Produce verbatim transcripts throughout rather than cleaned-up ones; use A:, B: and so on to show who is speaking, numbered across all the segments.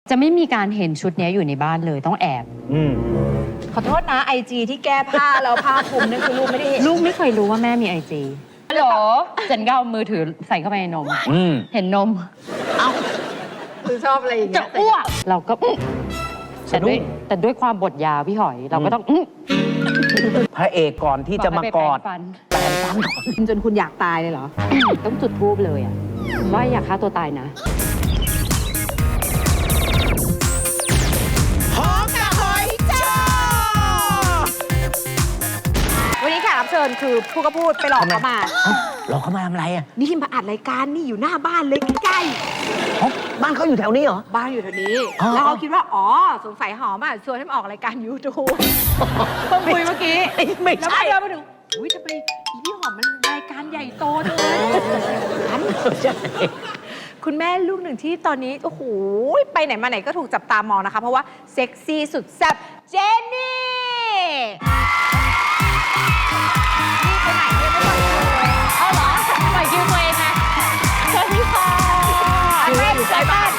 A: จะไม่มีการเห็นชุดนี้อยู่ในบ้านเลยต้องแอบ
B: อืม
C: ขอโทษนะไอจีที่แก้ผ้าแล้วผ้าคลุมนั่นคือลูกไม่ได้เห็น
A: ลูกไม่เคยรู้ว่าแม่มีไอจีฮัลโหลเจนก็เอามือถือใส่เข้าไปในนมเห็นนม
C: เอ้าคือชอบอะไรอย่างเงี้ย
A: จะอ้วกเราก็แต่ด้วยแต่ด้วยความบทยาวพี่หอยเราก็ต้อง
B: พระเอกก่อนที่จะมากอด
A: แปรงฟันก่อน
C: จนคุณอยากตายเลยเหรอ
A: ต้องจุดธูปเลยอ่ะว่าอยากฆ่าตัวตายนะ
C: วันนี้แขกรับเชิญคือพูดก็พูดไปหลอกเขามา
B: หลอกเขามาทำอะไรอ่ะ
C: นี่มาอัดรายการนี่อยู่หน้าบ้านเลยใกล้
B: ๆบ้านเขาอยู่แถวนี้เหรอ
C: บ้านอยู่แถวนี้แล้วเขาคิดว่าอ๋อสงสัยหอมอ่ะชวนให้มาออกรายการยูทูบเพิ่งคุยเมื่อกี้
B: ไม่ใช่
C: แล้วมาเดินมาถึงอุ้ยทำไมพี่หอมมันรายการใหญ่โตจังเลยคุณแม่ลูกหนึ่งที่ตอนนี้โอ้โหไปไหนมาไหนก็ถูกจับตามองนะคะเพราะว่าเซ็กซี่สุดแซ่บเจนนี่ไปไหนเนี่ยไม่ปล่อยคิวเลยเอาเหรอปล่อยคิวตัวเองนะสวัสดีค่ะแม่อยู่ใจบ้าน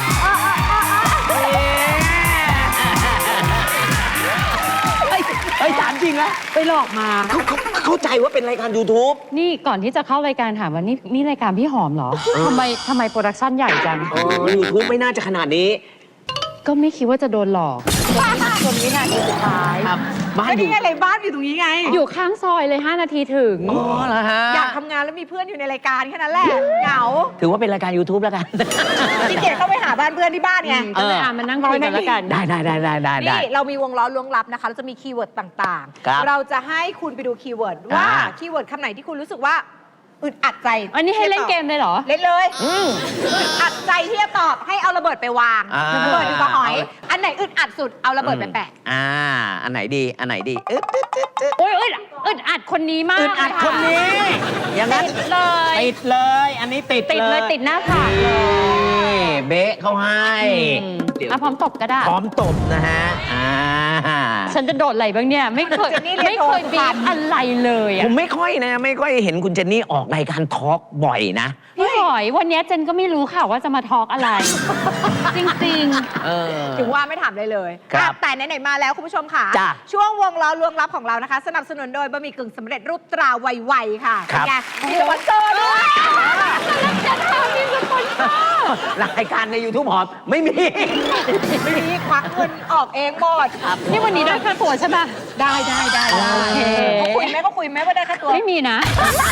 B: ไอ้ถามจริงนะ
C: ไปหลอกมา
B: เขาเขาเข้าใจว่าเป็นรายการ ยูทูบ
A: นี่ก่อนที่จะเข้ารายการถามว่านี่นี่รายการพี่หอมเหรอทำไมทำไมโปรดักชั่นใหญ่จัง
B: ยูทูบไม่น่าจะขนาดนี้
A: ก็ไม่คิดว่าจะโดนหลอก
C: จนวินาทีสุดท้ายบ้านอยู่อะไรบ้านอยู่ตรงนี้ไง
A: อยู่ข้างซอยเลยห้านาทีถึง
B: อ๋อเหรอฮะ
C: อยากทำงานแล้วมีเพื่อนอยู่ในรายการแค่นั้นแหละเหงา
B: ถือว่าเป็นรายการ ยูทูบ แล้วกัน
C: พี่เกียรติเข้าไปหาบ้านเพื่อนที่บ้านไง
A: ก็เลยอ่านมานั่งคุยกันแล้วกัน
B: ได้ได้ได้ได้ได้
C: นี่เรามีวงล้อล้วงลับนะคะเราจะมีคีย์เวิร์ดต่างๆเราจะให้คุณไปดูคีย์เวิร์ดว่าคีย์เวิร์ดคำไหนที่คุณรู้สึกว่าอึดอัดใจ
A: อันนี้ให้เล่นเกมเลยเหรอ
C: เล่นเลยอึดอัดใจที่จะตอบให้เอาระเบิดไปวางระเบิดอยู่กับหอยอันไหนอึดอัดสุดเอาระเบิดไปแปะ
B: อ่าอันไหนดีอันไหนดีอึด
A: โอ้ยอึดอึดอัดคนนี้มาก
B: อึดอัดคนนี้อย่างนั้น
A: เลย
B: ติดเลยอันนี้ติด
A: ติดเลยติดหน้าผากเลย
B: เบ๊ะเขาให้
A: อ่ะพร้อมตบก็ได้
B: พร้อมตบนะฮะอ่า
A: ฉันจะโดดอะไรบ้างเนี่ยไม่เคยไม่เคยบีบอะไรเลย
B: ผมไม่ค่อยนะไม่ค่อยเห็นคุณเจนนี่ออกรายการทอล์กบ่อยนะ
A: พี่หอยวันนี้เจนก็ไม่รู้ค่ะว่าจะมาทอล์กอะไรจริง
C: ๆถึงว่าไม่ถามเลยเลยแต่ไหนๆมาแล้วคุณผู้ชมค่ะช่วงวงล้อล้วงลับของเรานะคะสนับสนุนโดยบะหมี่กึ่งสำเร็จรูปตราไวๆค่ะไงมีสปอนเซอร์ด้วยจะทำมีสปอนเซอร์
B: รายการใน ยูทูบ หอมไม่มี
C: ไม่มีควักเงินออกเองหมด
A: นี่วันนี้ได้ค่าตัวใช่ป่ะ
C: ได้ได้ได้เขาคุยไหมเขาคุยไหมว่าได้ค่าตัว
A: ไม่มีนะ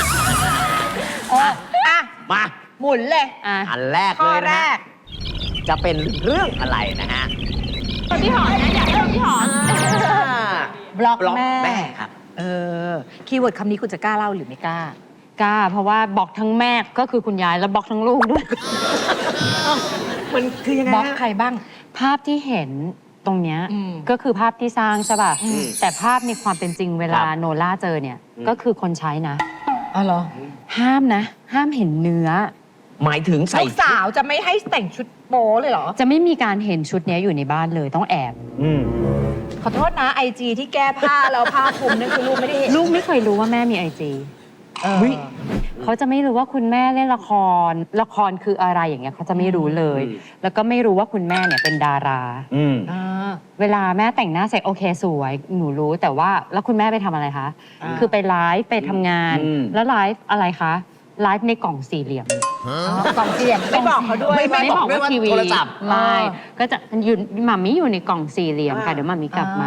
C: อ่ะ
B: มา
C: หมุนเลย
B: อันแรกเลยนะจะเป็นเรื่องอะไรนะฮะ
A: พี่หอมนะอยากเริ่มพี่หอม
C: บล็อก
B: แม่ครับ
C: เออคีย์เวิร์ดคำนี้คุณจะกล้าเล่าหรือไม่กล้าก
A: ล้าเพราะว่าบล็อกทั้งแม่ก็คือคุณยายแล้วบล็อกทั้งลูกด้วย
C: มันคือยังไงบล็อกใครบ้าง
A: ภาพที่เห็นตรงเนี้ยก็คือภาพที่สร้างใช่ป่ะแต่ภาพในความเป็นจริงเวลาโนล่าเจอเนี่ยก็คือคนใช้นะ
C: อ๋อเหรอ
A: ห้ามนะห้ามเห็นเนื้อ
B: หมายถึงใส่
C: ลูกสาวจะไม่ให้แต่งชุดโป๊เลยเหรอ
A: จะไม่มีการเห็นชุดนี้อยู่ในบ้านเลยต้องแอบ
C: ขอโทษนะไอจีที่แก้ผ้าแล้วผ้าคลุมนั่นคือลูกไม่ได้เห็น
A: ลูกไม่เคยรู้ว่าแม่มีไอจีเขาจะไม่รู้ว่าคุณแม่เล่นละครละครคืออะไรอย่างเงี้ยเขาจะไม่รู้เลยแล้วก็ไม่รู้ว่าคุณแม่เนี่ยเป็นดาราเวลาแม่แต่งหน้าเสร็จโอเคสวยหนูรู้แต่ว่าแล้วคุณแม่ไปทำอะไรคะคือไปไลฟ์ไปทำงานแล้วไลฟ์อะไรคะไลฟ์ในกล่องสี่เหลี่ยม
C: กล่องสี่เหลี่ยมไม่บอกเขาด้วย
A: ไม่บอกว่าทีวีไม่ก็จะยืนหม่ามีอยู่ในกล่องสี่เหลี่ยมค่ะเดี๋ยวหม่ามีกลับมา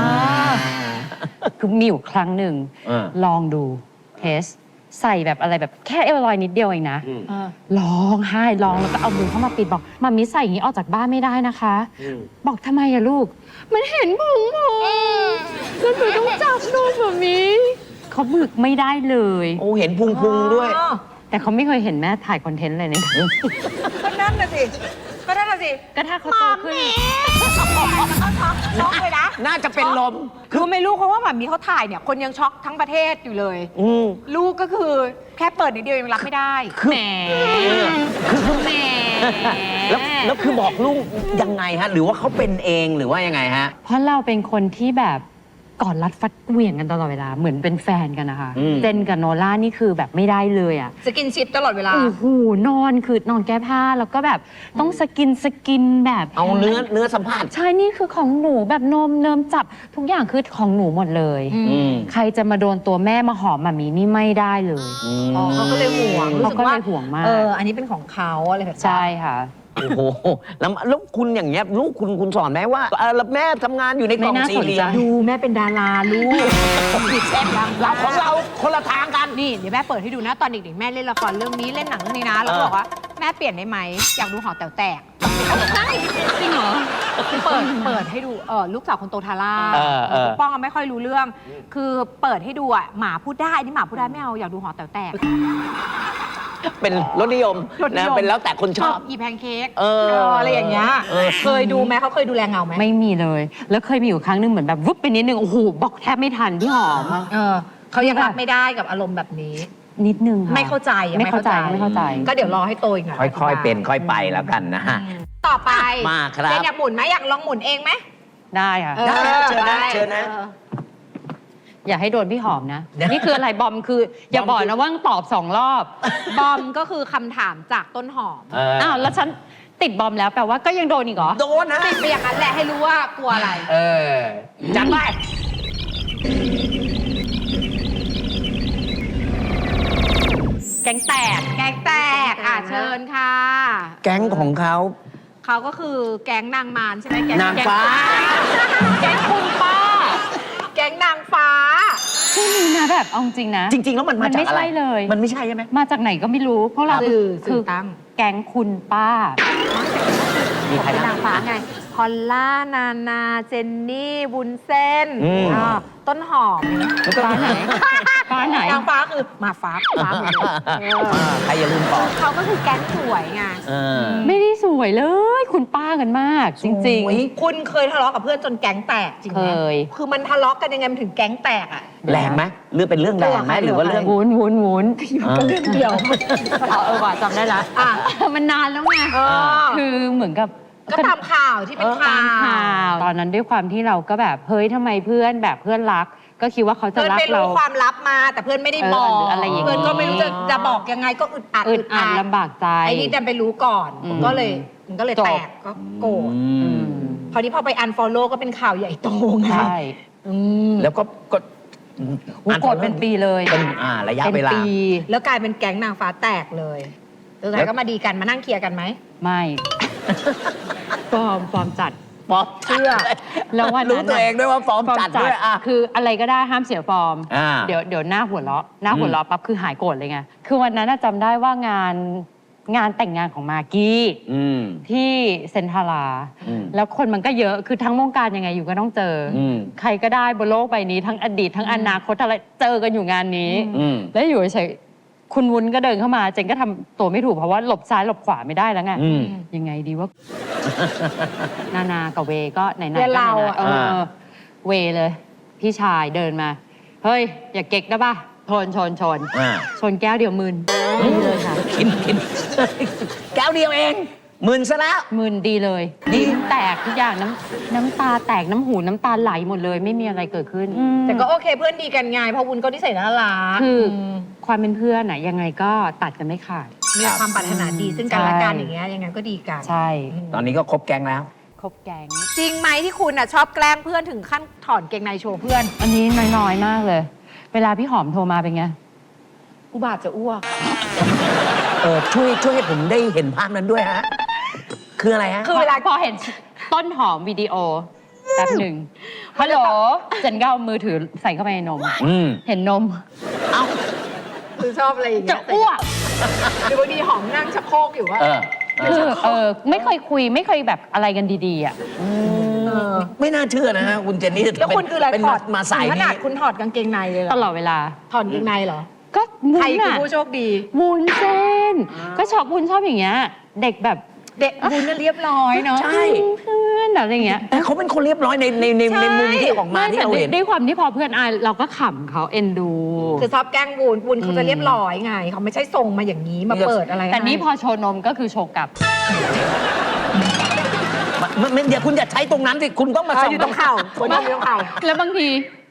A: คือมีอยู่ครั้งหนึ่งลองดูเทสใส่แบบอะไรแบบแค่เอวลอยนิดเดียวเองนะร้องไห้ร้องแล้วก็เอามือเข้ามาปิดบอกมามิใส่อย่างนี้ออกจากบ้านไม่ได้นะคะบอกทำไมอะลูกมันเห็นพุงผมแล้วหนูต้องจับลูกแบบนี้เขาบึกไม่ได้เลย
B: โอ้เห็นพุงพุงด้วย
A: แต่เขาไม่เคยเห็นแม่ถ่ายคอนเทนต์อะไรเนี่ย
C: ก็นั่นน่ะสิก็นั่นน่ะสิ
A: ก็ถ้าเขาโตขึ้น
C: ช็อกเลยนะ
B: น่าจะเป็นลม
C: คือไม่รู้เพราะว่าหม่ามีเขาถ่ายเนี่ยคนยังช็อกทั้งประเทศอยู่เลยลูกก็คือแค่เปิดนิดเดียวยังรับไม่ได้
A: แหม
B: คือแหมแล้วแล้วคือบอกลูกยังไงฮะหรือว่าเขาเป็นเองหรือว่ายังไงฮะ
A: เพราะเราเป็นคนที่แบบกอดรัดฟัดเหวี่ยงกันตลอดเวลาเหมือนเป็นแฟนกันนะคะ
B: อืม
A: เจนกับโนล่านี่คือแบบไม่ได้เลยอ่ะ
C: สกินชิปตลอดเวลา
A: โอ้โหนอนคือนอนแก้ผ้าแล้วก็แบบต้องสกินสกินแบบ
B: เอาเนื้อเนื้อสัมผัส
A: ใช่นี่คือของหนูแบบนมเนิมจับทุกอย่างคือของหนูหมดเลย
C: อืม
B: อืม
A: ใครจะมาโดนตัวแม่มาหอมหมามีนี่ไม่ได้เลย
B: ม
C: อ๋อเขาก็เลยห่วงรู้
A: เขา
C: สึก
A: ก็เล
C: ว่าย
A: ห่วงมาก
C: เอออันนี้เป็นของเขาอะไรแบบนี้
A: ใช่ค่ะ
B: โอ้โหแล้วแล้วคุณอย่างเงี้ยลูกคุณคุณสอนไหมว่าเออแล้วแม่ทำงานอยู่ในกล่อง
A: ไม่น่า
B: สี่เหลี่ย
A: ส
B: ม
A: นใจ
C: ดูแม่เป็นดาราลูกผิดเส้นดัง
B: เราของเราคนละทางกัน
C: นี่เดี๋ยวแม่เปิดให้ดูนะตอนเด็กๆแม่เล่นละครเรื่องนี้เล่นหนังเรื่องนี้นะแล้วก็บอกว่าแม่เปลี่ยนได้ไหมอยากดูหอแต๋วแตกใช่จริงเหรอเปิดเปิดให้ดูเออลูกสาวคนโตทาร่า
B: เออเออ
C: ปกป้องอะไม่ค่อยรู้เรื่อง คือเปิดให้ดูอ่ะหมาพูดได้นี่หมาพูดได้ไม่เอาอยากดูหอแต๋วแตก
B: เป็นรสนิยม
C: รสนิ
B: นะ
C: ยม
B: เป็นแล้วแต่คนชอบ
C: อีแพนเค้ก
B: เออ
C: เอออะไรอย่างเงี้ย
B: เออ
C: เคยดูไหมเขาเคยดูแลเงาไหม
A: ไม่มีเลย แล้วเคยมีอยู่ครั้งหนึงเหมือนแบบวุบไปนิดนึงโอ้โหบอกแทบไม่ทันพี่หอม
C: เออเขายังรับไม่ได้กับอารมณ์แบบนี้
A: นิดนึงค่ะ
C: ไม่เข้าใจยัง
A: ไม่เข้าใจไม่เข้าใจ
C: ก็เดี๋ยวรอให้โตอีกหน่อย
B: ค่อยๆเป็นค่อยไปแล้วกันนะฮะ
C: อืมต่อไป
B: มาครับ
C: เจนอยากหมุนไหมอยากลองหมุนเองไหม
A: ได้ค่ะ
C: ออ
B: ได้เชิญนะ
C: ไป
B: เชิญนะ
C: ออ
A: อย่าให้โดนพี่หอมนะ นี่คืออะไรบอมคือ อย่าบอกนะว่าตอบสองรอบ
C: บอมก็คือคำถามจากต้นหอม
B: เออ
A: อ้าวแล้วฉันติดบอมแล้วแปลว่าก็ยังโดนอีกเหรอ
B: โดนนะ
C: ติดไปอย่างนั้นแหละให้รู้ว่ากลัวอะไร
B: เออจัดไป
A: แก๊งแตก
C: แก๊งแตกอ่ะเชิญค่ะ
B: แก๊งของเขา
C: เขาก็คือแก๊งนางมารใช่ไหมแก๊ง
B: นางฟ้า
C: แก๊งคุณป้า แก๊งนางฟ้า
A: ชื่อนี้นะแบบเอาจริงนะ
B: จริง ๆ แล้วมันมา
A: มัน
B: จาก
A: ไม่
B: อะไร
A: ใช่เลย
B: มันไม่ใช่ใช่ไหม
A: มาจากไหนก็ไม่รู้พวกเรา
C: สื่อ
A: คื
C: สื่
A: อ
C: อตั้ง
A: แก๊งคุณป้า
B: มีใคร
C: เป็น
B: บ้าง
C: นางฟ้าไง พอลล่า นานา เจนนี่ บุญเส้น
B: อืม
C: อ่าต้นหอม
A: ฟ้าไหน ฟ้าไหน
C: นางฟ้าคือมาฟ้าฟ้าหมดเลยเออ
B: อ่าใครอย่าลืมบอก
C: เขาก็คือแก๊งสวยไง
B: เออ
A: ไม่ได้สวยเลย คุณป้ากันมาก จริง
C: โอ้ยคุณเคยทะเลาะกับเพื่อนจนแก๊งแตกจริง
A: ๆ
C: ไห
A: เค
C: ม
A: ย
C: คือมันทะเลาะกันยังไงมันถึงแก๊งแตกอ่ะ
B: แรงไหมหรือเป็นเรื่องแรงไหมหรือว่าเรื่อง
A: วุ้นวุ้นวุ้น
C: ก็เรื่องเดียว
A: เอาเออว่ะจำได้ละ
C: อ่ะ
A: มันนานแล้วไง
C: เออ
A: คือเหมือนกับ
C: ก็ตามข่าวที่เป็นข่า
A: ตามข่าว ว ตอนนั้นด้วยความที่เราก็แบบเฮ้ยทำไมเพื่อนแบบเพื่อนรัก ก็คิดว่าเขาจะ
C: เพื่อน
A: รัก
C: ไม่
A: เรา
C: รู้ความลับมา แต่เพื่อนไม่ได้บอก
A: เออหรืออะไรอย่างงี้
C: เพื่อนก็ไม่รู้จะจะบอกยังไงก็อึดอัด
A: อึดอัดลำบากใจ
C: ไอ้นี่ดันไปรู้ก่อน
A: อืม
C: ก็เลยมันก็เลย
A: จบ
C: แตกก็โกรธ
B: อื
A: อื
B: ม
A: ม
C: คราวนี้พอไปอันฟอลโล่ก็เป็นข่าวใหญ่โตไง
A: ใช่
C: อืม
B: แล้วก็ก็
A: อุ๊ยโกรธเป็นปีเลย
B: เป็นอ่าระยะ
A: เป็น
B: เวลา
A: ปี
C: แล้วกลายเป็นแก๊งนางฟ้าแตกเลยสุดท้ายก็มาดีกันมานั่งเคลียร์กันไหม
A: ไม่ ฟอร์มฟอร์มจัด
B: ฟอร์ม
C: เชื่อ
A: แล้ววันนั้น
B: รู้ตัวเองด้วยว่าฟอร์มจัดด้วยอ่ะ
A: คืออะไรก็ได้ห้ามเสียฟอร์ม
B: อ่า
A: เดี๋ยวเดี๋ยวหน้าหัวเราะหน้าหัวเราะปั๊บคือหายโกรธเลยไง คือวันนั้นน่ะจำได้ว่างานงานแต่งงานของมากกี้
B: อืม
A: ที่เซนทารา
B: อืม
A: แล้วคนมันก็เยอะ คือทั้งวงการยังไงอยู่ก็ต้องเจออ
B: ม
A: ใครก็ได้บนโลกใบนี้ทั้งอดีตทั้งอนาคตอะไรเจอกันอยู่งานนี้
B: อืม
A: แล้วอยู่เฉยๆคุณวุ้นก็เดินเข้ามา เจนก็ทำตัวไม่ถูกเพราะว่าหลบซ้ายหลบขวาไม่ได้แล้วไง
B: อืม
A: ยังไงดีว่า นานากับเวก็ไหนๆ
C: เพื่
A: ก็
C: อน
A: ไหน
C: เรา
A: ๆ
C: อะ
A: เออเวเลย พี่ชายเดินมา เฮ้ย อย่าเก๊กนะป่ะชนชนชน
B: อ่า
A: ชนแก้วเดียวมึนดีเลยค่ะ
B: กินกินแก้วเดียวเองหมื่นซะแล้ว
A: มึนดีเลย
B: ดี
A: ลิ้นแตกทุกอย่างน้ำน้ำตาแตกน้ำหูน้ำตาไหลหมดเลย ไม่มีอะไรเกิดขึ้น
C: แต่ก็โอเคเพื่อนดีกันไงเพราะวุ้นก็นิสัยน่ารัก
A: คืออ
C: ม
A: ความเป็นเพื่อนอะยังไงก็ตัดกันไม่ขาด
C: มีความปรารถนาดีซึ่งกันและกันอย่างเงี้ยยังไงก็ดีกัน
A: ใช่
B: ตอนนี้ก็ครบแก๊งแล้ว
A: ครบแก๊ง
C: จริงไหมที่คุณอ่ะชอบแกล้งเพื่อนถึงขั้นถอนเกงในโชว์เพื่อน
A: อันนี้น้อยๆมากเลย เวลาพี่หอมโทรมาเป็นไง
C: อุบาทจะอ้วก
B: เออช่วยช่วยให้ผมได้เห็นภาพนั้นด้วยฮะ คืออะไรฮะ
A: คือเวลาพอเห็นต้นหอมวิดีโอแป๊บหนึ่งฮัลโหลเจนก็เอามือถือใส่เข้าไปในนม
B: อืม
A: เห็นนม
B: เอ้า
C: คือชอบอะไรอย่างเงี้
A: จะ
C: ย
A: อ้วก
C: หรือบางทีหอมนั่งชักโครกอยู่ว่า
B: เออเอ
A: คือ
B: อ
A: เออไม่เคยคุยไม่เคยแบบอะไรกันดีๆอ่ะ
C: เออ
B: ไม่น่าเชื่อนะฮะคุณเจนนี่
C: แล้วคุณคืออะไร
B: เป็น
C: ถ
B: มา
C: อด
B: มาสาย
C: ถึงข
B: นี้
C: นาดคุณถอดกางเกงในเลยเหร
A: ต
C: อ
A: ลอดเวลา
C: ถอดกางเกงในเหรอ
A: ก็วุ้
C: ใคร
A: น
C: คือ
A: อ่ะ
C: ผู้โชคดี
A: วุ้นเส้น ก็ชอบวุ้นชอบอย่างเงี้ย เด็กแบบ
C: เด็กวุ้นน่ะเรียบร้อยเนาะ
B: ใช่
A: เพื่อนอะไรอย่างเงี้ย
B: แต่เขาเป็นคนเรียบร้อยในในในในมุมที่ออกมาที่
A: แต่
B: เรา
A: ด้วย
B: เห็น
A: ด้วยความที่พอเพื่อนอายเราก็ขำเขาเอ็นดู
C: คือชอบแกล้งวุ้นวุ้นเขาจะเรียบร้อยไงเขาไม่ใช่ส่งมาอย่างนี้มาเปิดอะไร
A: แต่นี่
C: ให้
A: พอโชว์นมก็คือโชว์กลับ
B: มันมันเดี๋ยวคุณอย่าใช้ตรงนั้นสิ คุณต้องมา
C: เออ
B: ส่อง
C: อยู่ตรงเข่าคนอยู่ตรงเข่า
A: แล้วบางที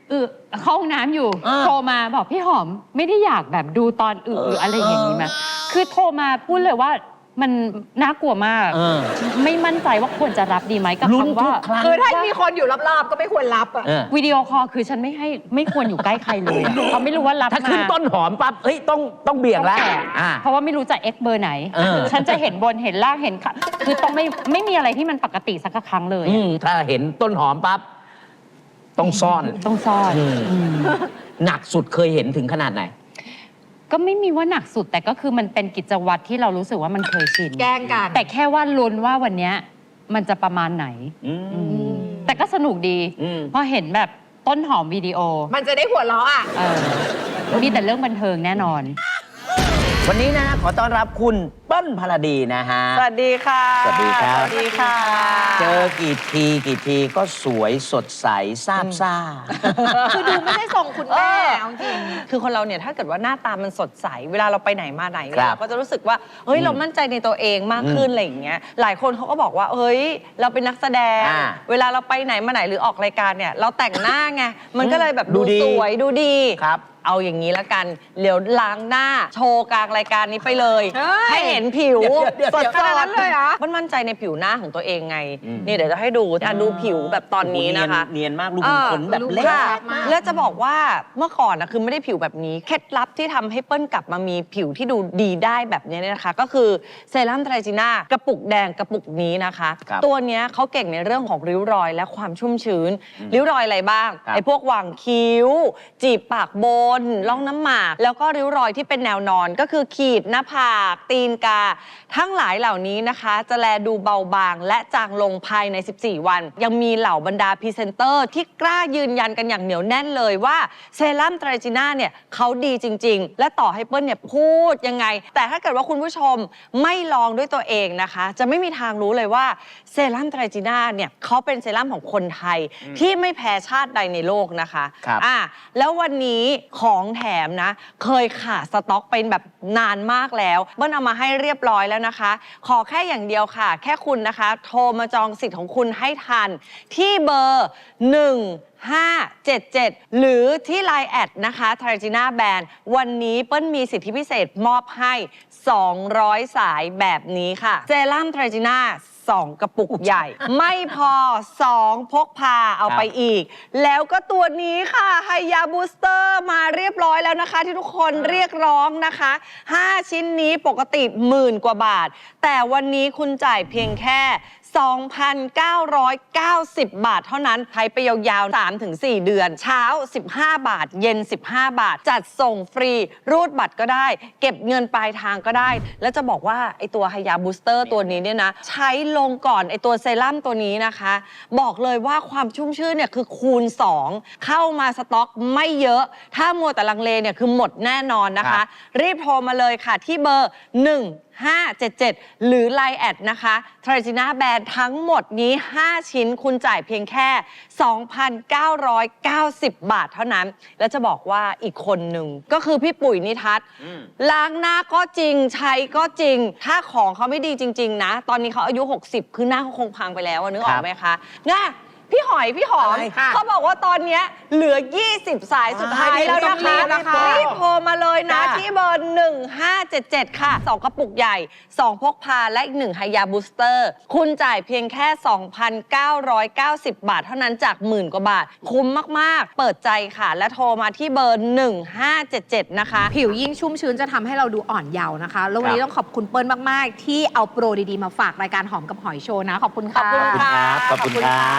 A: เออเข้าห้องน้ำอยู่
B: อ่า
A: โทรมาบอกพี่หอมไม่ได้อยากแบบดูตอนอึหรืออะไรอย่างนี้มาคือโทรมาพูดเลยว่ามันน่ากลัวมาก
B: เออ
A: ไม่มั่นใจว่าควรจะรับดีไหมกับ
B: ลุ้น
A: คำ
B: ทุ
A: ว่า
B: กครั้ง
C: คือถ้ามีคนอยู่รอบๆก็ไม่ควรรับอ่ะ
B: เออ
A: วิดีโอคอลคือฉันไม่ให้ไม่ควรอยู่ใกล้ใครเลยอะเขาะไม่รู้ว่ารับ
B: ถ้า
A: มา
B: ขึ้นต้นหอมปั๊บเฮ้ยต้องต้องเบี่ยง
A: ต้อง
B: แล้ว
A: แตะ
B: อ่า
A: เพราะว่าไม่รู้จะเอ็กเบอร์ไหน
B: เออ
A: ฉันจะเห็นบนเห็นล่างเห็นขาคือต้องไม่ไม่มีอะไรที่มันปกติสักครั้งเลย
B: อืมถ้าเห็นต้นหอมปั๊บต้องซ่อน
A: ต้องซ่อน
B: อืม
A: อืม
B: หนักสุดเคยเห็นถึงขนาดไหน
A: ก็ไม่มีว่าหนักสุดแต่ก็คือมันเป็นกิจวัตรที่เรารู้สึกว่ามันเคยชิน
C: แกล้งกัน
A: แต่แค่ว่าลุ้นว่าวันเนี้ยมันจะประมาณไหน
B: อืม
A: อืมแต่ก็สนุกดี
B: อืม
A: พอเห็นแบบต้นหอมวิดีโอ
C: มันจะได้หัวเราะอ่ะ
A: เออมีแต่เรื่องบันเทิงแน่นอน
B: วันนี้นะขอต้อนรับคุณเปิ้ลพลดีนะฮะ
D: สวัสดีค่ะ
B: สวัสดีครับ
D: สวัสดีค่ะ
B: เจอกี่ทีกี่ทีก็สวยสดใสซาบซ่า
C: คือดูไม่ได้ทรงคุณแม่เอาจริง
D: คือคนเราเนี่ยถ้าเกิดว่าหน้าตามันสดใส เวลาเราไปไหนมาไหน
B: ครับ
D: เราก็จะรู้สึกว่า เฮ้ย
B: อืม
D: เรามั่นใจในตัวเองมากขึ้น
B: อืม
D: อะไรอย่างเงี้ย หลายคนเขาก็บอกว่า เฮ้ย เราเป็นนักแสดง
B: อ่า
D: เวลาเราไปไหนมาไหนหรือออกรายการเนี่ย เราแต่งหน้าไง มันก็เลยแบบ
B: ดู
D: ดู
B: ดี
D: สวยดูดี
B: ครับ
D: เอาอย่างนี้ละกัน เดี๋ยวล้างหน้าโชว์กลางรายการนี้ไปเลย
C: เฮ้ย
D: ให้เห็นผิว
B: เดี๋ยวๆๆ
D: สด
C: ขนาดนั้นเลยเหรอ
D: มันมั่นใจในผิวหน้าของตัวเองไง
B: อืม
D: นี่เดี๋ยวจะให้ดูอ่ะดูผิวแบบตอนนี้นะคะ
B: เนียนมากลูก
D: เออ
B: ขนแบบเล็ก
D: ค่ะ
C: มาก
D: แล้วจะบอกว่าเมื่อก่อนนะคือไม่ได้ผิวแบบนี้ เคล็ดลับที่ทำให้เปิ้ลกลับมามีผิวที่ดูดีได้แบบนี้เนี่ยนะคะ ก็คือเซรั่มไตรจีน่ากระปุกแดงกระปุกนี้นะคะ
B: ครับ
D: ตัวเนี้ยเขาเก่งในเรื่องของริ้วรอยและความชุ่มชื้น ริ้วรอยอะไรบ้าง
B: ครับ
D: ไอ้พวกหว่างคิ้ว จีบปากบนร่องน้ำหมาก แล้วก็ริ้วรอยที่เป็นแนวนอนก็คือขีดหน้าผากตีนกา ทั้งหลายเหล่านี้นะคะ จะแลดูเบาบางและจางลงภายใน สิบสี่ วัน ยังมีเหล่าบรรดาพรีเซนเตอร์ที่กล้ายืนยันกันอย่างเหนียวแน่นเลยว่าเซรั่มไตรจีน่าเนี่ยเขาดีจริง ๆ และต่อให้เปิ้ลเนี่ยพูดยังไง แต่ถ้าเกิดว่าคุณผู้ชมไม่ลองด้วยตัวเองนะคะ จะไม่มีทางรู้เลยว่าเซรั่มไตรจีน่าเนี่ยเขาเป็นเซรั่มของคนไทยที่ไม่แพ้ชาติใดในโลกนะคะ
B: ครับ
D: อ่ะแล้ววันนี้ของแถมนะ เคยขาดสต็อกเป็นแบบนานมากแล้วเบิ้ลเอามาให้เรียบร้อยแล้วนะคะ ขอแค่อย่างเดียวค่ะ แค่คุณนะคะ โทรมาจองสิทธิ์ของคุณให้ทัน ที่เบอร์หนึ่งห้าเจ็ดเจ็ดหรือที่ ไลน์ แอดนะคะทรจีน่าแบรนด์วันนี้เปิ้ลมีสิทธิพิเศษมอบให้ สองร้อย สายแบบนี้ค่ะ เซรั่มทรจีน่าสองกระปุกใหญ่ ไม่พอ สอง พกพาเอาไปอีก แล้วก็ตัวนี้ค่ะไฮยาบูสเตอร์มาเรียบร้อยแล้วนะคะ ที่ทุกคนเรียกร้องนะคะ ห้า ชิ้นนี้ปกติหมื่นกว่าบาท แต่วันนี้คุณจ่ายเพียงแค่ สองพันเก้าร้อยเก้าสิบ บาทเท่านั้นใช้ไปยาวๆ สามถึงสี่ เดือน เช้า สิบห้า บาท เย็น สิบห้า บาท จัดส่งฟรี รูดบัตรก็ได้ เก็บเงินปลายทางก็ได้ แล้วจะบอกว่าไอตัวไฮยาบูสเตอร์ตัวนี้เนี่ยนะ ใช้ลงก่อนไอตัวเซรั่มตัวนี้นะคะ บอกเลยว่าความชุ่มชื่นเนี่ยคือคูณ สอง เข้ามาสต็อกไม่เยอะ ถ้ามัวแต่ลังเลเนี่ยคือหมดแน่นอนนะ
B: ครั
D: คะ
B: บ
D: รีบโทรมาเลยค่ะที่เบอร์ หนึ่งห้าเจ็ดเจ็ด หรือ ไลน์ แอดนะคะทรจีน่าแบรนด์ทั้งหมดนี้ ห้า ชิ้นคุณจ่ายเพียงแค่ สองพันเก้าร้อยเก้าสิบ บาทเท่านั้น แล้วจะบอกว่าอีกคนหนึ่งก็คือพี่ปุ๋ยนิทัศน์ล้างหน้าก็จริงใช้ก็จริง ถ้าของเขาไม่ดีจริง ๆ นะ ตอนนี้เขาอายุ หกสิบ คือหน้าเขาคงพังไปแล้วอะนึกออกไหมคะง่ะพี่หอยพี่หอม
B: อะไรค่ะ
D: เขาบอกว่าตอนเนี้ยเหลือ ยี่สิบ สายสุดท้ายแล้วนะคะ
C: รีบนะคะ
D: รีบโทรมาเลยนะ
B: จ้า
D: ที่เบอร์ หนึ่งห้าเจ็ดเจ็ด ค่ะ สอง กระปุกใหญ่ สอง พกพาและอีกหนึ่งไฮยาบูสเตอร์ คุณจ่ายเพียงแค่ สองพันเก้าร้อยเก้าสิบ บาทเท่านั้นจากหมื่นกว่าบาท คุ้มมาก ๆ เปิดใจค่ะ และโทรมาที่เบอร์ หนึ่งห้าเจ็ดเจ็ด นะคะ
C: ผิวยิ่งชุ่มชื้นจะทำให้เราดูอ่อนเยาว์นะคะ แล้ววันนี้
B: ครับ
C: ต้องขอบคุณเปิ้ลมาก ๆ ที่เอาโปรดี ๆ มาฝากรายการหอมกับหอยโชว์นะ ขอบคุณ
D: ขอบ
C: ค่ะ
D: คุณค่ะ
B: ขอบคุณครับ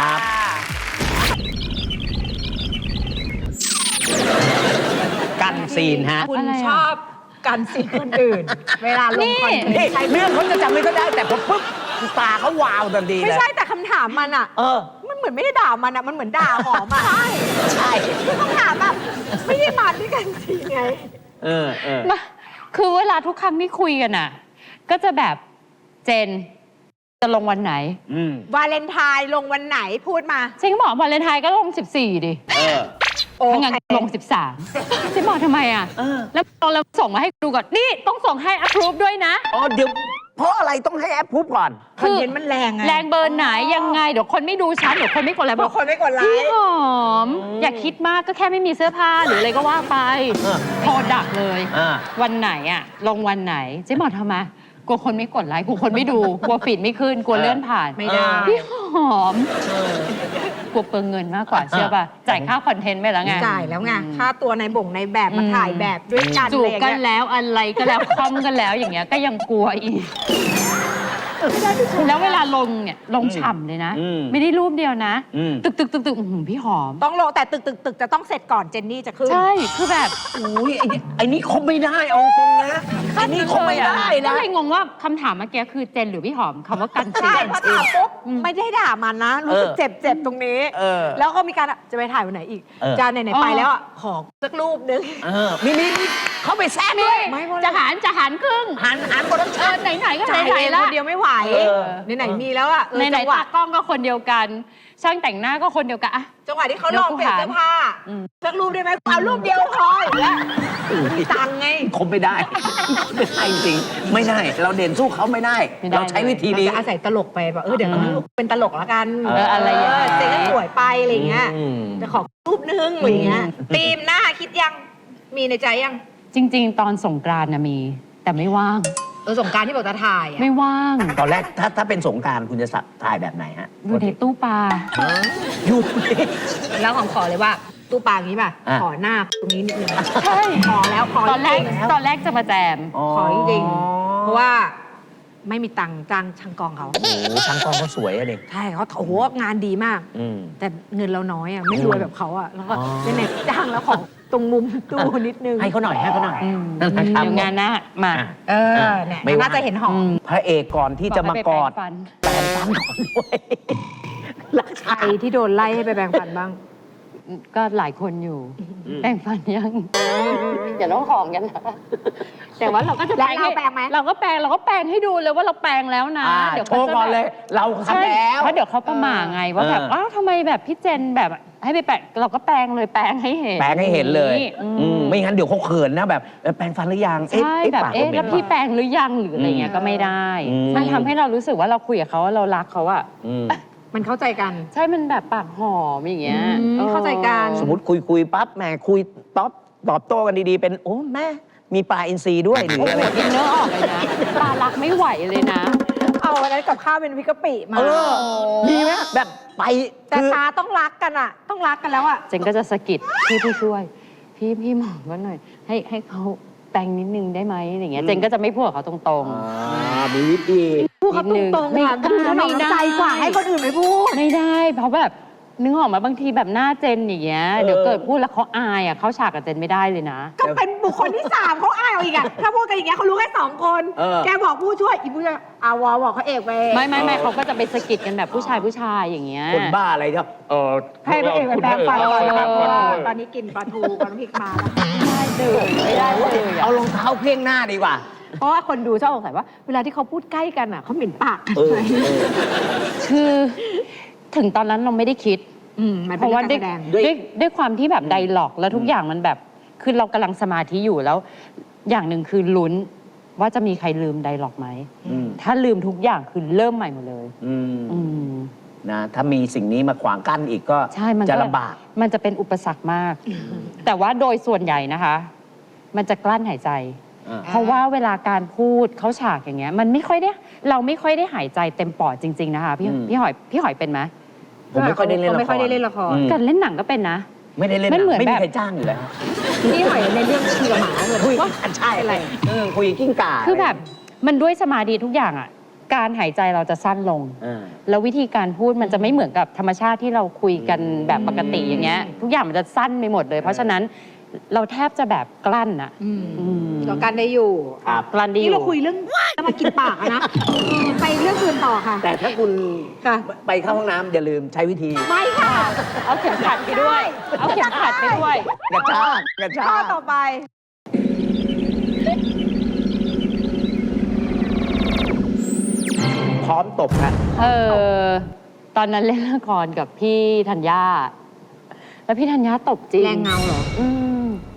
B: กันซีนฮะ
C: คุณ
A: อะไรอ่ะ
C: ชอบกันสิคนอื่น เวลาลงคอนเทน
B: นี่
C: ต์ใช่
B: เรื่องเขาจะจำไม่ก็ได้แต่พอปุ๊บตาเขาวาวทันที
C: ไม่
B: เลย
C: ใช่แต่คำถามมันอ่ะ
B: เออ
C: มันเหมือนไม่ได้ด่ามันอ่ะ มันเหมือนด่าหอมอ่ะ ใช่
B: ใช่
C: คือคำถามแบบไม่ได้มาด้วยกันสิไง
B: เออเออ
A: มาคือเวลาทุกครั้งที่คุยกันอ่ะ ก็จะแบบเจนจะลงวันไหน
B: อืม
C: วาเลนไทน์ลงวันไหนพูดมา
A: เจนก็บอกวาเลนไทน์ก็ลง สิบสี่ ดิ
B: เออ
C: โอ
A: ถ้างั้น
C: เค
A: ลง สิบสาม เจนบอกทำไมอ่ะ
B: เออ
A: แล้วเราส่งมาให้ดูก่อน นี่ต้องส่งให้ approve ด้วยนะ
B: อ๋อเดี๋ยวเพราะอะไรต้องให้แอปพูดก่อน
C: คอนเทนต์มันแรงไง
A: แรงเบอร์ไหนยังไงเดี๋ยวคนไม่ดูฉันเดี๋ยวคนไม่กดไลค์
C: บางคนไม่กดไล
A: พี่
C: ค์
A: หอม อย่าคิดมากก็แค่ไม่มีเสื้อผ้าหรืออะไรก็ว่าไป
B: เออ
A: โทรดักเลย
B: อ่า
A: วันไหนอะลงวันไหนเจ๊บอกทำไมกลัวคนไม่กดไลค์กลัวคนไม่ดูกลัวฟีดไม่ขึ้นกลัวเลื่อนผ่าน
C: ไม่ได้
A: พี่หอมกลัวเปลืองเงินมากกว่าเชื่อป่ะจ่ายค่าคอนเทนต์ไปแล้วไง
C: จ่ายแล้วไงค่าตัวในบ่งในแบบมาถ่ายแบบด้วยกัน
A: จูบ
C: อะไรอย่าง
A: กัน
C: เงี้ย
A: แล้วอะไรก็แล้วคอมกันแล้วอย่างเงี้ยก็ยังกลัวอีกแล้วเวลาลงเนี่ยลงฉ่ำเลยนะ
B: อืม
A: ไม่ได้รูปเดียวนะ
B: อืม
A: ตึกตึกตึกตึกอื้อหือพี่หอม
C: ต้องลงแต่ตึกตึกตึกจะต้องเสร็จก่อนเจนนี่จะขึ้น
A: ใช่คือแบบ
B: อุ้ยไอ้นี่ไอ้นี่คบไม่ได้เอาตรงนะไอ้นี่คบไม่ได้
A: ก็
B: นะ
A: เลยงงว่าคำถามเมื่อกี้คือเจนหรือพี่หอมคำว่ากันซี
C: ใช่พอถามปุ๊บ
A: อืม
C: ไม่ได้ด่ามันนะ รู้สึก
B: เออ
C: เจ็บเจ็บตรงนี้
B: เออ
C: แล้วก็มีการจะไปถ่ายวันไหนอีก
B: เออ
C: จานไหนๆไปแล้วอ่ะขอสักรูปนึง
B: เออมีมีมีเขาไปแซะด้วย
C: ไม่หมด
A: จะหารจะหารครึ่ง
B: หันหันโปรดัก
A: เอ
B: ชั่
A: อน ไหนๆก็
C: จ่าย
A: ไหน
C: เอง
A: ๆละ
C: คนเดียวไม่ไหว
B: เออ
C: ไหนๆมีแล้วอ่ะเออ
A: ไหน
C: จัง
A: ๆ
C: หวะ
A: ตากล้องก็คนเดียวกัน ช่างแต่งหน้าก็คนเดียวกันอะ
C: จังหวะที่เขาลองเปลี่ยนเสื้อผ้า
A: อืม
C: สักรูปได้ไหมเอารูปเดียวพออย่างเงี้ยมีตังค์ไง
B: คบไม่ได้ ไม่ได้จริงๆไม่ได้ เราเด่นสู้เขาไม่ได้
A: ไม่ได้
B: เราใช้วิธี
C: เรา
B: นี้
C: จะอาศัยตลกไปแบบเออเดี๋ยว
B: อืม
C: เป็นตลกแล้วกัน
B: เอออะไรอย่างเงี้ย
C: เจ๊ก็สวยไปอะไรเงี้ย
B: อืม
C: จะขอรูปนึงอะไรเงี้ย
B: อืม
C: ธีมหน้าคิดยังมีในใจยัง
A: จริง ๆ ตอนสงกรานต์นะมี แต่ไม่ว่าง
C: เออสงกรารที่บอกจะถ่ายอ่ะ
A: ไม่ว่าง
B: ตอนแรกถ้าถ้าเป็นสงกรารคุณจะสับถ่ายแบบไหนฮะ
A: อยู่ในตู้ปลา
B: อยู่ใน
C: แล้วของขอเลยว่าตู้ปลาอย่างนี้ป่ะ
B: อ่ะ
C: ขอหน้าตรงนี้นิดนึง
A: ใช่
C: ขอแล้วขอ
A: ตอนแรก
C: จงๆ
A: ตอนแรกจะมาแจม
C: ขอจริงๆเพราะว่าไม่มีตังค์จ้างช่างกองเขา
B: โอ้โหช่างกล้องเขาสวยอะเด็ก
C: ใช่เขาโอ้โหงานดีมาก
B: อืม
C: แต่เงินเราน้อยอ่ะไม่รวยแบบเขาอ่ะแล้วก็
B: อ๋อ
C: เน็ตจ้างแล้วของตรงมุมตู้นิดนึง
B: ให้เขาหน่อยให้เขาหน่อย
A: อืม
B: นั่นนะครับ
A: เดี๋ยวงานหน้ามา
B: อ่ะ
C: เออเนี่ย
B: ไม่ว่า
C: น่าจะเห็นหอม
A: อืม
B: พระเอกก่อนที่จะมากอด
A: บให้ไปแปรงฟัน
B: แปลงฟันก่อนด้วยรัก
C: ใครที่โดนไล่ให้ไปแปรงฟันบ้าง
A: ก็หลายคนอยู่
B: อืม
A: แปรงฟันยังอย่าต้องหอมกันนะแต่ว่าเราก็จะ
C: แล้วเรา
A: ให้
C: แปรงไหม
A: เราก็แปรงเราก็แปรงให้ดูเลยว่าเราแปรงแล้วนะ
B: อ่า
A: เดี๋ยว
B: โชว์ก่อนเลย เรา
A: ใช่
B: ทำแล้ว
A: เพราะเดี๋ยวเขาประหม่าไงว่าแบบ
B: เออ
A: อ้าวทำไมแบบพี่เจนแบบให้ไปแปรงเราก็แปรงเลยแปรงให้เห็น
B: แปลงให้เห็นเลย
A: อื
B: อืม
A: ม
B: ไม่งั้นเดี๋ยวเขาเขินนะแบบเอ้ยแปลงฟันหรือยังเอ๊ะ
A: ใช่
B: เอ๊ะ
A: แบบ
B: ปาก
A: เอ๊ะ
B: ผมหม็น
A: แล้วพี่
B: ปะ
A: แปรงหรือยังหรืออะไรเงี้ยก็ไม่ได้
B: อืม
A: มันทำให้เรารู้สึกว่าเราคุยกับเขาว่าเรารักเขาอะ
B: อืม
C: มันเข้าใจกัน
A: ใช่มันแบบปากหอมอย่างเงี้ย
C: อืม
A: ออ
C: เข้าใจกัน
B: สมมติคุยคุยปั๊บแหมคุยตอบตอบโต้กันดีๆ เป็นโอ้แม่มีปลาอินทรีด้วยหรือ
A: โอ้
B: อะ
A: โห
B: ไร
A: ดินเนอร์ออกเลยนะปลารักไม่ไหวเลยนะ
C: เอาวันนั้นกับข้าวเป็นพริกกะปิมา
B: เออมีไหมแบบไป
C: แต่
B: คือ
C: ตาต้องรักกันอ่ะ ต้องรักกันแล้วอ่ะ
A: เจนก็จะสะกิดพี่ผู้ช่วย พี่พี่หมอก็หน่อย ให้ให้เขาแปลงนิดนึงได้ไหมอย่างเงี้ยเจนก็จะไม่พูดกับเขาตรง
B: อ่ามีวิธี
C: พูดเขาตรงๆ
A: ไม่
C: ค่ะคือถนอมน้ำใจกว่า
A: ไม่ได้
C: ให้คนอื่นไม่พูด
A: ๆ ไม่ได้ เพราะแบบนึกออกมาบางทีแบบหน้าเจนอย่างเงี้ยเดี๋ยวเกิดพูดแล้วเขาอายอ่ะเขาฉากกับเจนไม่ได้เลยนะ
C: ก็เป็นบุคคลที่สามเขาอายเอาอีกอะถ้าพูดกันอย่างเงี้ยเขารู้แค่สองคน
B: เออ
C: แกบอกผู้ช่วยอีผู้ช่วยอาวอบอกเขาเอกไป
A: ไม่ไม่ไม่เขาก็จะไปสะกิดกันแบบผู้ชายผู้ชายอย่างเงี้ย
B: คนบ้าอะไรครับเออ
C: ให้พระเอกไปแปลงฟันก่อน
A: เออ
C: นะคะเพราะว่าตอนนี้กินปลาทูกับน้ำพริกมาแล้ว
A: ไม่ได้เลยไม่ได้เลยอะ
B: เอารองเท้าเพี้ยงหน้าดีกว่า
C: เพราะว่าคนดูชอบสงสัยว่า เวลาที่เขาพูดใกล้กันอะเขาเหม็นปากกัน
B: เออ
C: ไหม
B: เออ
A: คือถึงตอนนั้นเราไม่ได้คิด
C: อืมมัน
A: เพ
C: เป็น
A: ราะว่า
C: การ
A: ด้วย
C: แสดง
B: ด้วย
A: ด้วยด้วยความที่แบบไดล็อกแล้วทุกอย่างมันแบบ คือเรากำลังสมาธิอยู่แล้ว อย่างหนึ่งคือลุ้นว่าจะมีใครลืมไดล็อกไหม
B: อืม
A: ถ้าลืมทุกอย่างคือเริ่มใหม่หมดเลย
B: อืม
A: อืม
B: นะถ้ามีสิ่งนี้มาขวางกั้นอีกก็
A: ใช่มัน
B: จะ
A: ก็
B: ลำบาก
A: มันจะเป็นอุปสรรคมาก แต่ว่าโดยส่วนใหญ่นะคะ มันจะกลั้นหายใจ
B: อ่า
A: เพราะว่าเวลาการพูดเข้าฉากอย่างเงี้ย มันไม่ค่อยได้ เราไม่ค่อยได้หายใจเต็มปอดจริง ๆ นะคะพี่
B: อืม
A: พี่หอยพี่หอยเป็นไหม
B: ผมไม่ค่อยได้เล่นละคร
C: ไม่ค่อยได้เล่นละคร
B: อืม
A: การเล่นหนังก็เป็นนะ
B: ไม่ได้เล่น
A: มันเหมือน
B: ไม่มี
A: แบบ
B: ใครจ้างอยู่แล้ว
C: ที่หอยในเรื่องคุยกับหมาเลย
B: คุย
C: ว่า
B: กันใช่อะไรเออคุยกิ้งก่า
A: คือแบบมันด้วยสมาธิทุกอย่างอ่ะ การหายใจเราจะสั้นลง
B: อ่า
A: แล้ววิธีการพูดมันจะไม่เหมือนกับธรรมชาติที่เราคุยกันแบบปกติอย่างเงี้ย ทุกอย่างมันจะสั้นไปหมดเลย เพราะฉะนั้นเราแทบจะแบบกลั้นอะ
C: อืม
A: อืม
C: ต่อกันได้อยู่
B: ครับ
A: กลั้นดีอ
C: นี่
A: ยู่
C: เราคุยเรื่องจะมากินปากอะนะอืมไปเรื่องอื่นต่อค่ะ
B: แต่ถ้าคุณ
C: ค่ะ
B: ไปเข้าห้องน้ำอย่าลืมใช้วิธี
C: ไม่ค่ะ
A: เอาเข็มขัดไปด้วย เอาเข็มขัดไปด้วย
B: กระชากกระชา
C: ข้อก ต่อไป
B: พร้อมตบฮะ
A: เออตอนนั้นเล่นละครกับพี่ธัญญาแล้วพี่ธัญญาตบจริง
C: แรงเงาเหรอ
A: อืม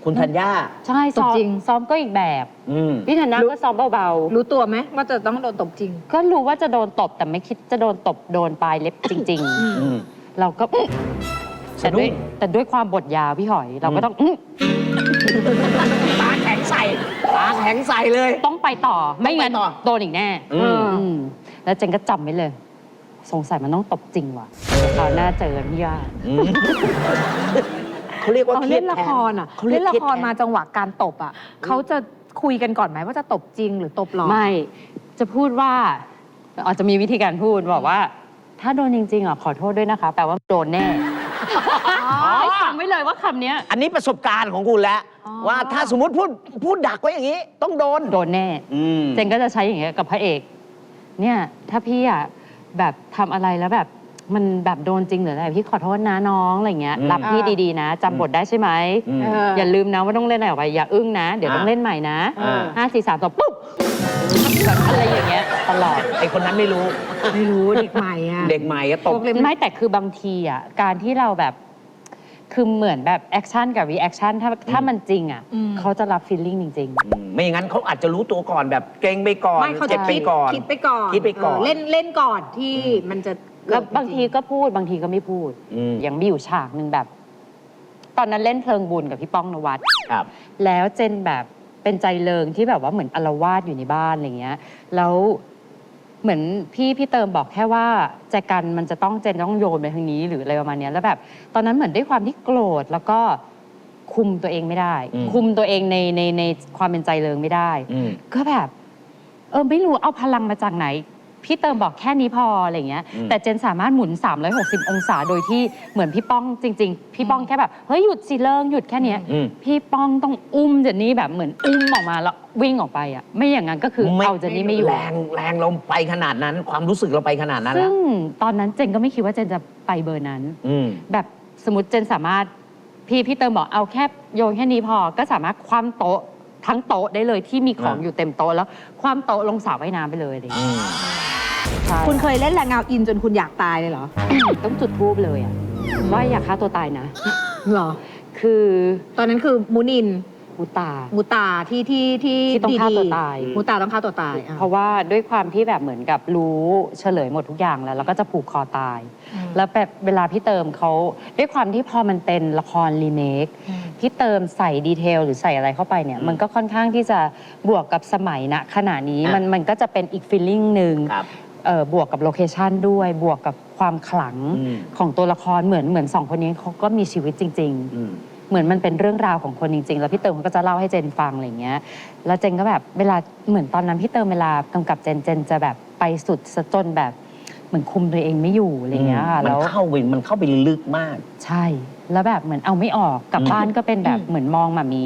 B: คุณธัญญา
A: ใช่ซ้อม
C: จริง
A: ซ้อมก็อีกแบบ
B: อืม
A: พี่ธัญญาก็ซ้อมเบา
C: รู้ตัวไหมว่าจะต้องโดนตบจริง
A: ๆก็รู้ว่าจะโดนตบแต่ไม่คิดจะโดนตบโดนปลายเล็บจริง
B: อืม
A: ๆ เราก็แต่ด้วยแต่ด้วยความบทยาวพี่หอย เราก็ต้องอื้อ
B: ตาแข็งใส่ตาแข็งใส่เลย
A: ต้องไปต่อไม่งั้น
B: ต้องไปต่อ
A: โดนอีกแน่
B: อืม
A: อืมแล้วเจนก็จำไว้เลย สงสัยมันต้องตบจริงว่ะคราวหน้าเจอพี่ย่า
B: อืมเขาเรียกว่า
C: ตอน
B: เครีย
C: เล่
B: ด
C: นละ
B: แท
C: ครอ่ะ
B: เขาเรีย
C: เล่
B: ก
C: นละ
B: เครียด
C: คร
B: แทน
C: มาจังหวะการตบอ่ะเขาจะคุยกันก่อนไหมว่าจะตบจริงหรือตบหลอก
A: ไม่จะพูดว่าอาจจะมีวิธีการพูดบอกว่า ถ้าโดนจริงๆอ่ะขอโทษด้วยนะคะแปลว่าโดนแน่ให้ฟังไว้เลยว่าคำเนี้ย
B: อันนี้ประสบการณ์ของคุณแล้ว
C: อ๋อ
B: ว่าถ้าสมมติพูดพูดดักไว้อย่างนี้ ต้องโดน
A: โดนแน่
B: อืม
A: เจนก็จะใช้อย่างเงี้ยกับพระเอก เนี่ยถ้าพี่อ่ะแบบทำอะไรแล้วแบบมันแบบโดนจริงหรืออะไรพี่ขอโทษนะน้องอะไรเงี้ย
B: อืม
A: รับพี่ดีๆนะจำบทได้ใช่ไหม
B: อืม
C: เออ
A: อย่าลืมนะว่าต้องเล่นอะไรออกไปอย่าอึ้งนะ เดี๋ยว
B: อ่า
A: ต้องเล่นใหม่นะ
B: อ่า
A: ห้าสี่สามสองปุ๊บแบบอะไรอย่างเงี้ยตลอด
B: ไอคนนั้นไม่รู้
C: ไม่รู้เด็กใหม่อ่ะ
B: เด็กใหม่ก็ตบ
C: พวกเล่น
A: ไม่แต่คือบางทีอ่ะการที่เราแบบคือเหมือนแบบแอคชั่นกับรีแอคชั่นถ้าถ้ามันจริงอ่ะ
C: อืม
A: เขาจะรับฟีลลิ่งจริง
B: อืมไม่อย่างนั้นเขาอาจจะรู้ตัวก่อนแบบเกรงไปก่อน
C: ไม่เขา
B: เจ็
C: จะ
B: บไปก่อน
C: คิดไปก่อน
B: คิดไปก่อน
C: เเล่นเล่นก่อนที่มันจะ
A: ๆ แล้วบางทีก็พูดบางทีก็ไม่พูด
B: อืม
A: อย่างมีอยู่ฉากหนึ่งแบบ ตอนนั้นเล่นเพลิงบุญกับพี่ป้องนวัด
B: ครับ
A: แล้วเจนแบบเป็นใจเริงที่แบบว่าเหมือนอาละวาดอยู่ในบ้านอะไรเงี้ย แล้วเหมือนพี่พี่เติมบอกแค่ว่าแจกันมันจะต้องเจนต้องโยนไปทางนี้หรืออะไรประมาณเนี้ยแล้วแบบ ตอนนั้นเหมือนด้วยความที่โกรธแล้วก็คุมตัวเองไม่ได้
B: อืม
A: คุมตัวเองในในในความเป็นใจเริงไม่ได้
B: อืม
A: ก็แบบ เออไม่รู้เอาพลังมาจากไหน พี่เติมบอกแค่นี้พออะไรเงี้ย
B: อืม
A: แต่เจนสามารถหมุนสามร้อยหกสิบองศาโดยที่เหมือนพี่ป้องจริง ๆ พี่ป้องแค่แบบเฮ้ยหยุดสิเลิงหยุดแค่เนี้ย
B: อืม
A: พี่ป้องต้องอุ้มเจนนี่แบบเหมือนอุ้มออกมาแล้ววิ่งออกไปอ่ะไม่อย่างนั้นก็คือเอาเจนนี่ไม่อยู่
B: แรงแรงเราไปขนาดนั้น ความรู้สึกเราไปขนาดนั้น
A: ซึ่
B: แล้ว
A: งตอนนั้นเจนก็ไม่คิดว่าเจนจะไปเบอร์นั้น
B: อืม
A: แบบสมมติเจนสามารถพี่พี่เติมบอกเอาแค่โยนแค่นี้พอก็สามารถคว่ำโต๊ะทั้งโต๊ะได้เลยที่มีของ
B: อ่า
A: อยู่เต็มโต๊ะแล้วคว่ำโต๊ะลงสระว่ายน้ำไปเลยอะไรอย่าง
B: อื
A: เงี้ย
B: ม
A: ใช่
C: คุณเคยเล่นแรงเงาอินจนคุณอยากตายเลยเหรอ
A: ต้องจุดทูบเลยอะว่าอย่าฆ่าตัวตายนะ
C: เหรอ
A: คือ
C: ตอนนั้นคือมูนิน
A: มูตา
C: มูตาที่ที่ที่
A: ที่ต้องฆ่าตัวตาย
C: มูตาต้องฆ่าตัวตายอ่ะ
A: เพราะว่าด้วยความที่แบบเหมือนกับรู้เฉลยหมดทุกอย่างแล้ว แล้วก็จะผูกคอตาย
C: อืม
A: แล้วแบบเวลาพี่เติมเขาด้วยความที่พอมันเป็นละครรีเมค
C: อืม
A: พี่เติมใส่ดีเทลหรือใส่อะไรเข้าไปเนี่ย
B: อืม
A: มันก็ค่อนข้างที่จะบวกกับสมัยณขณะนี้
B: อ่ะ
A: มันมันก็จะเป็นอีกฟีลลิ่งหนึ่ง
B: ครับ
A: เอ่อบวกกับโลเคชันด้วย บวกกับความขลัง
B: อืม
A: ของตัวละครเหมือนเหมือนสองคนนี้เขาก็มีชีวิตจริง ๆ
B: อืม
A: เหมือนมันเป็นเรื่องราวของคนจริง ๆ แล้วพี่เติมเขาก็จะเล่าให้เจนฟังอะไรเงี้ย แล้วเจนก็แบบเวลาเหมือนตอนนั้นพี่เติมเวลากำกับเจนเจนจะแบบไปสุดซะจนแบบเหมือนคุมตัวเองไม่อยู่อะไรเงี้ยค่ะ
B: มัน
A: แล้ว
B: เข้าไปมันเข้าไปลึกมาก
A: ใช่ แล้วแบบเหมือนเอาไม่ออกกลับ
B: อืม
A: บ้านก็เป็นแบบเหมือนมองหมามี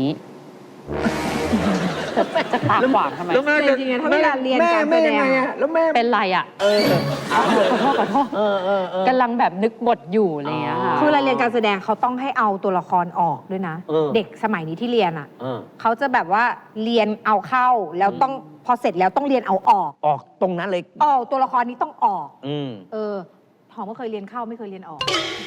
A: จะตาขวางทำไม
C: จริงๆอะถ้าเวลาเรียนการแสดงอะ
B: แล้วแม่
A: เป็นไรอ่ะ
B: เออ
A: ขอโทษขอโทษ
B: เออเออเออก
A: ำลังแบบนึกบทอยู่อะไรเงี้ยค่ะ
C: คือเวลาเรียนการแสดงเขาต้องให้เอาตัวละครออกด้วยนะ
B: เออ
C: เด็กสมัยนี้ที่เรียนอ่ะ
B: เออ
C: เขาจะแบบว่าเรียนเอาเข้าแล้วต้องพอเสร็จแล้วต้องเรียนเอาออก
B: ออกตรงนั้นเลย
C: ออกตัวละครนี้ต้องออก
B: อืม
C: เออหอมก็เคยเรียนเข้าไม่เคยเรียนออก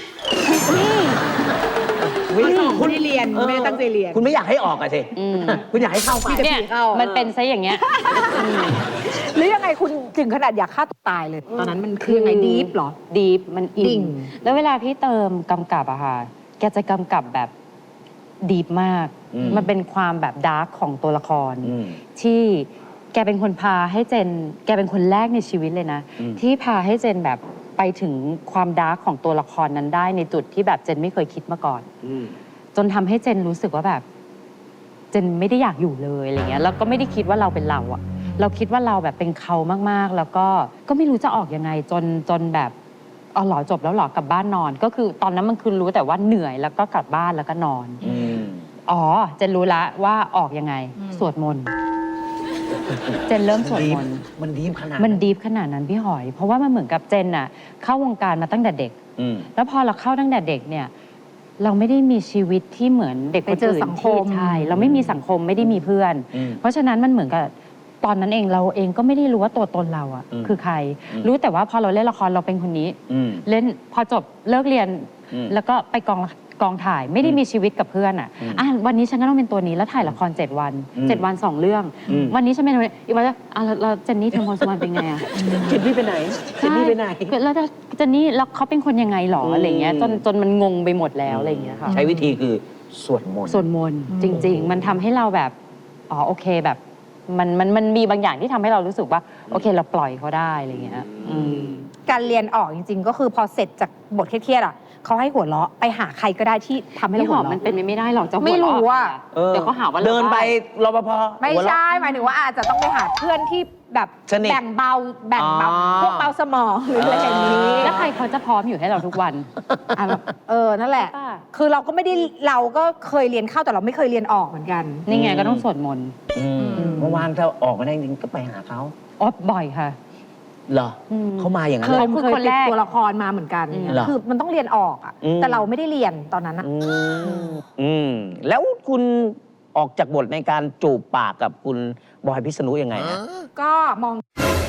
B: วิ
C: คุณไม่ได้เรียนไม่ได้ตั้งใจเรียน
B: คุณไม่อยากให้ออกอะสิ
A: อืม
B: คุณอยากให้เข้าไป
A: เนี่ย
C: เข้า
A: มันเป็นซะอย่างเงี้ยอืม
C: หรือยังไงคุณถึงขนาดอยากฆ่าตัวตายเลย ตอนนั้นมันคือยังไงดีฟเหรอ
A: ดีฟมันอิ
C: ดิ่
A: น
C: ง
A: แล้วเวลาพี่เติมกำกับอะค่ะ แกจะกำกับแบบดีฟมาก
B: อืม
A: มันเป็นความแบบดาร์กของตัวละคร
B: อืม
A: ที่แกเป็นคนพาให้เจน แกเป็นคนแรกในชีวิตเลยนะ
B: อืม
A: ที่พาให้เจนแบบไปถึงความดาร์กของตัวละครนั้นได้ในจุดที่แบบเจนไม่เคยคิดมาก่อน
B: อืม
A: จนทำให้เจนรู้สึกว่าแบบ เจนไม่ได้อยากอยู่เลยอะไรเงี้ยแล้วก็ไม่ได้คิดว่าเราเป็นเราอะเราคิดว่าเราแบบเป็นเขามากๆ แล้วก็ก็ไม่รู้จะออกยังไง จนจนแบบอ๋อเหรอจบแล้วเหรอกลับบ้านนอน ก็คือตอนนั้นมันคือรู้แต่ว่าเหนื่อยแล้วก็กลับบ้านแล้วก็นอน
B: อืม
A: อ๋อเจนรู้ละว่าออกยังไง
C: อืม
A: สวดมนต์เจนเริ่มสวดมนต์
B: มันดีฟขนาด
A: มันดีฟขนาดนั้นพี่หอย เพราะว่ามันเหมือนกับเจนอะเข้าวงการมาตั้งแต่เด็ก
B: อืม
A: แล้วพอเราเข้าตั้งแต่เด็กเนี่ย เราไม่ได้มีชีวิตที่เหมือนเด็กคน
C: ไปเจอ
A: อื่น
C: สังคม
A: ที่ใช่เราไม่มีสังคมไม่ได้มีเพื่อน
B: อืม
A: เพราะฉะนั้นมันเหมือนกับตอนนั้นเองเราเองก็ไม่ได้รู้ว่าตัวตนเราอะ
B: อืม
A: คือใคร
B: อืม
A: รู้แต่ว่าพอเราเล่นละครเราเป็นคนนี้
B: อืม
A: เล่นพอจบเลิกเรียน
B: อืม
A: แล้วก็ไปกองละกองถ่ายไม่ได้มีชีวิตกับเพื่อนอ่ะอ่ะวันนี้ฉันก็ต้องเป็นตัวนี้แล้วถ่ายละครเจ็ดวันเจ็ดวันสองเรื่อง วันนี้ฉันเป็นอีกวันจะอ่ะแล้วแล้วเจนนี่เทมโพสุวรรณเป็นไงอ่ะ
B: เจนนี่ไปไหนเจนนี่ไปไหน
A: แล้วเจนนี่แล้วเขาเป็นคนยังไงหรออะไรเงี้ยจนจนมันงงไปหมดแล้วอะไรเงี้ยค่ะ
B: ใช้วิธีคือสวดมนต์
A: สวดมนต์จริง ๆ มันทำให้เราแบบอ๋อโอเคแบบมันมันมันมีบางอย่างที่ทำให้เรารู้สึกว่าโอเคเราปล่อยเขาได้อะไรเงี้ยอืม
C: การเรียนออกจริง ๆ ก็คือพอเสร็จจากบทเครียดๆอ่ะเขาให้หัวเราะไปหาใครก็ได้ที่ทำให้เรา
A: พี่ห
C: หั
A: อ
C: ว
A: ม
C: เราะ
A: มันเป็นไปไม่ได้หรอกจะหัว
C: ไม่รู้
A: เราะ
C: อะ
B: เออ
A: เดี๋ยวเขาหาว่ารา
B: เดินไป
A: บ้
B: รปภ
C: ไม่
B: หัวเราะ
C: ใช่หมายถึงว่าอาจจะต้องไปหาเพื่อนที่แบบ
B: สนิท
C: แบ่งเบาแบ่งเบา
B: อ๋อ
C: พวกเบาสมองหรืออะไรอย่างนี้
A: แล้วใครเขาจะพร้อมอยู่ให้เราทุกวัน
C: อ่ะแบบเออนั่นแหละ
A: ป่ะ
C: คือเราก็ไม่ได้เราก็เคยเรียนเข้าแต่เราไม่เคยเรียนออกเหมือนกัน
A: นี่ไงก็ต้องสวดมนต์
B: อืมเมื่อวานถ้าออกมาได้จริงก็ไปหาเขา
A: อ๋อบ่อยค่ะ
B: เหรอ
A: อืม
B: เขามาอย่างนั้น
C: เค
B: เลย
C: ย
A: คือ
C: เคย
A: คน
C: ติ
A: แร
C: ด
A: ก
C: ตัวละครมาเหมือนกัน
A: อืม
B: เหรอ
C: คือมันต้องเรียนออกอะ
B: อืม
C: แต่เราไม่ได้เรียนตอนนั้นอะ
B: อืมอืมแล้วคุณออกจากบทในการจูบปากกับคุณบอยพิษณุยังไงนะ
C: ก็มอง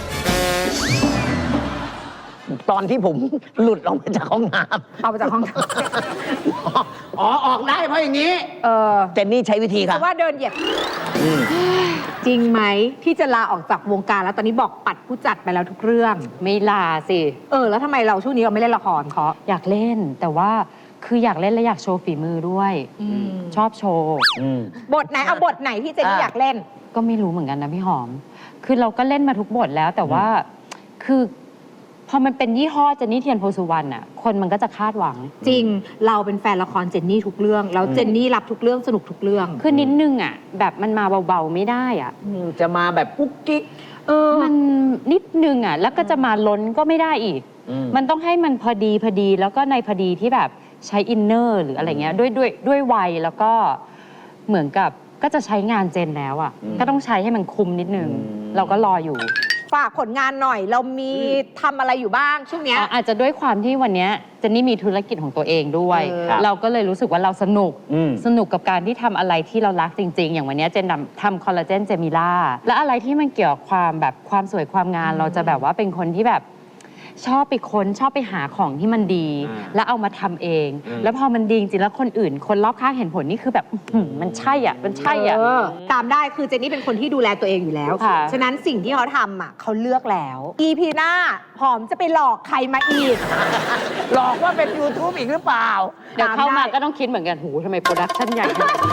B: ตอนที่ผมหลุดออกมาจากห้องน้
C: เอาไปจากห้อง
B: ำอ๋อออกได้เพราะอย่างนี้
C: เออ
B: เจนนี่ใช้วิธี
C: เพ
B: ครับ
C: ราะว่าเดินเหยียบ
B: อืม
C: จริงไหมที่จะลาออกจากวงการแล้วตอนนี้บอกปัดผู้จัดไปแล้วทุกเรื่อง
A: ไม่ลาสิ
C: เออ แล้วทำไมเราช่วงนี้เราไม่เล่นละครเพราะ
A: อยากเล่นแต่ว่าคืออยากเล่นและอยากโชว์ฝีมือด้วย ชอบโชว์
B: อืม
C: บทไหนเอาบทไหนที่เจนนี่
B: อ่ะ
C: อยากเล่น
A: ก็ไม่รู้เหมือนกันนะพี่หอม คือเราก็เล่นมาทุกบทแล้วแต่ว่าคือพอมันเป็นยี่ห้อเจนนี่เทียนโพสุวรรณอ่ะคนมันก็จะคาดหวัง
C: จริงเราเป็นแฟนละครเจนนี่ทุกเรื่องแล้วเจนนี่รับทุกเรื่องสนุกทุกเรื่อง
A: คือนิดนึงอ่ะแบบมันมาเบาๆไม่ได้อ่ะ
B: จะมาแบบกุ๊กกิ๊ก
C: เออ
A: มันนิดนึงอ่ะแล้วก็จะมาล้นก็ไม่ได้อีก
B: อืม
A: มันต้องให้มันพอดีพอดีแล้วก็ในพอดีที่แบบใช้อินเนอร์หรืออะไรเงี้ยด้วยด้วยด้วยวัยแล้วก็เหมือนกับก็จะใช้งานเจนแล้วอ่ะก็ต้องใช้ให้มันคุ้มนิดนึงเราก็รออยู่
C: ฝากผลงานหน่อยเรามีทำอะไรอยู่บ้างช่วงเนี้ย
A: อ๋ออาจจะด้วยความที่วันเนี้ยเจนนี่มีธุรกิจของตัวเองด้วย
C: เออครับ
A: เราก็เลยรู้สึกว่าเราสนุก
B: อืม
A: สนุกกับการที่ทำอะไรที่เรารักจริง ๆ อย่างวันเนี้ยเจนทำทำคอลลาเจนเจมิล่าและอะไรที่มันเกี่ยวกับความแบบความสวยความงามเราจะแบบว่าเป็นคนที่แบบชอบไปค้นชอบไปหาของที่มันดี
B: อ่า
A: แล้วเอามาทำเอง
B: อืม
A: แล้วพอมันดีจริงๆแล้วคนอื่น คนรอบข้างเห็นผลนี่คือแบบอื้อหือมันใช่อ่ะมันใช่อ่ะ
C: เออตามได้คือเจนนี่เป็นคนที่ดูแลตัวเองอยู่แล้ว
A: ค่ะ
C: ฉะนั้นสิ่งที่เขาทำอ่ะเขาเลือกแล้ว อี พี หน้าหอมจะไปหลอกใครมาอีก
B: หลอกว่าเป็น YouTube อีกหรือเปล่า
A: เดี๋ยวเข้ามา
C: ตามได้
A: ก็ต้องคิดเหมือนกันหูทำไมโปรดักชั่นใหญ่ขนาดนี้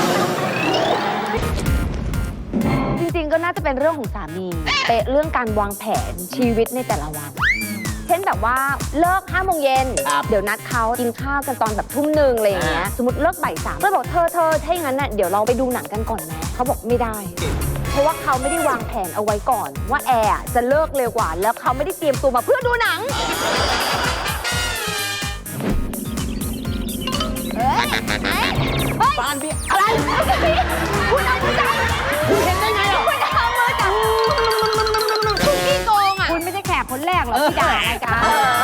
E: จริงๆ ก็น่าจะเป็นเรื่องของสามีเป๊ะเรื่องการวางแผนชีวิตในแต่ละวัน เช่นแบบว่าเลิกห้าโมงเย็น
B: ครับ
E: เดี๋ยวนัดเขากินข้าวกันตอนแบบทุ่มหนึ่งอะไรอย่างเงี้ย
B: อ่า
E: สมมติเลิกบ่ายสามก็บอกเธอเธอถ้าอย่างนั้นน่ะเดี๋ยวเราไปดูหนังกันก่อนไหมเขาบอกไม่ได้ เพราะว่าเขาไม่ได้วางแผนเอาไว้ก่อน ว่าแอร์จะเลิกเร็วกว่า แล้วเขาไม่ได้เตรียมตัวมาเพื่อดูหนัง
B: บ้านพี่
E: อะไรคุณเอามือจับคุณเห็นได้ไงอ่ะคุณเอามือจับคุณขี้โกงอ่ะ
C: คุณไม่ใช่แขกคนแรกหรอกที่ด่ารายการ